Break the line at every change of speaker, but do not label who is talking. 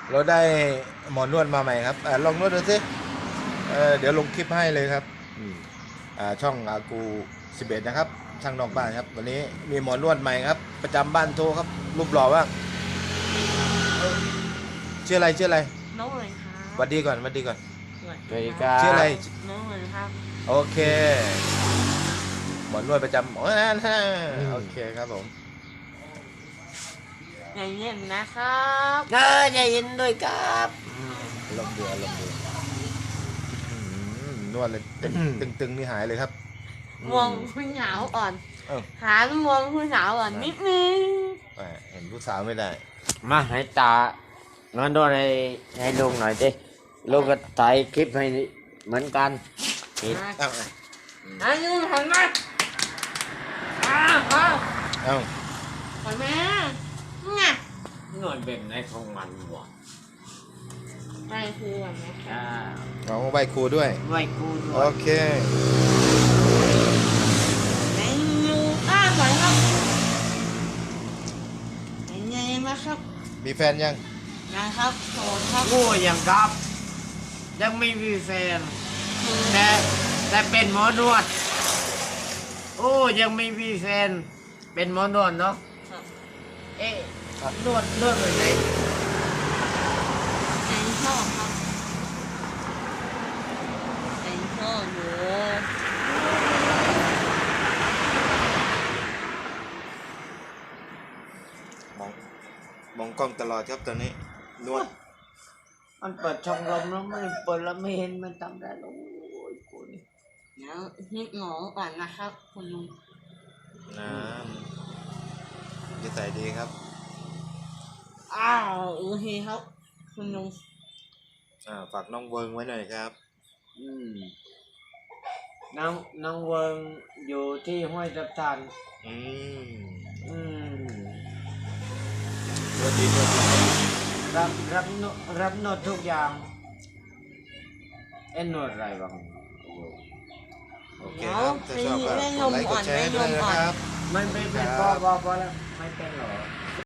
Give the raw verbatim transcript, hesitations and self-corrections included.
เราได้หมอนวดมาใหม่ครับอลองนวดดูสิเเดี๋ยวลงคลิปให้เลยครับช่องอากูสิบเอ็ดนะครับช่างนอกบ้านครับวันนี้มีหมอนวดใหม่ครับประจำบ้านโทครับรูปหล่อว่างชื่ออะไรชื่ออะไร
น้องเลยครับ
สวัสดีก่อนสวัสดีก่อน
สวัสดีครับ
ชื่ออะไร
น้องเลยครับ
โอเคหมอนวดประจำโอเคครับผม
ใจเย็นนะครับ
เออใจเย็นด้วยครับ
ลมเดือดลมเดือดนวดเลยตึงตึงนี่หายเลยครับ
มองผู้สาวอ่อนหามองผู้สาวอ่อนนิดนึง
เห็นผู้สาวไม่ได้
มาให้ตานอนโดนให้ให้ลุงหน่อยดิลุงก็ถ่ายคลิปให้เหมือนกัน
ปิดเอ้า
อายุหันมาอ้าวอ้าว
เอ้า
หันมาไง
นอนแบบไหนของมันวะ
ไปครูอ่ะนะ
เอาใบครูด้วย
ใบครูด้วย
โอเค
ในยูอ้าไหวครับยังไงนะครับ
มีแฟนยัง
นะครับโสดครับ
โอ้ยังครับยังไม่มีแฟนแต่แต่เป็นหมอนวดโอ้ยังไม่มีแฟนเป็นหมอนวดเนาะเอ๊ะนวดนวดแบบไหน
ใจชอบครับใจชอบเลย
มองมองกล้องตลอดครับตอนนี้นวด
มันเปิดช่องลมแล้วไม่เปิดแล้วไม่เห็นมันทำได้โอ้ยกูนี่
เดี๋ยวฮิตหงอก่อนนะครับคุณลุง
น้ำจะใส่ดีครับ
อ้าวโอเคครับคุณลุง
อ่าฝากน้องเวิงไว้หน่อยครับ
อืมน้องน้องเวิงอยู่ที่ห้วยทับทัน
อืม
อืม
ตัวดีตัวดี
รับรับโนรับโนดทุกอย่างเอ็นโนดอะไรบ้าง
โอเคครับถ้าชอบก็กดไลค์กดแชร์ด้วยนะครับ
ไม่ไม่เป็นพอพอพอแล้วไม่เป็นหรอ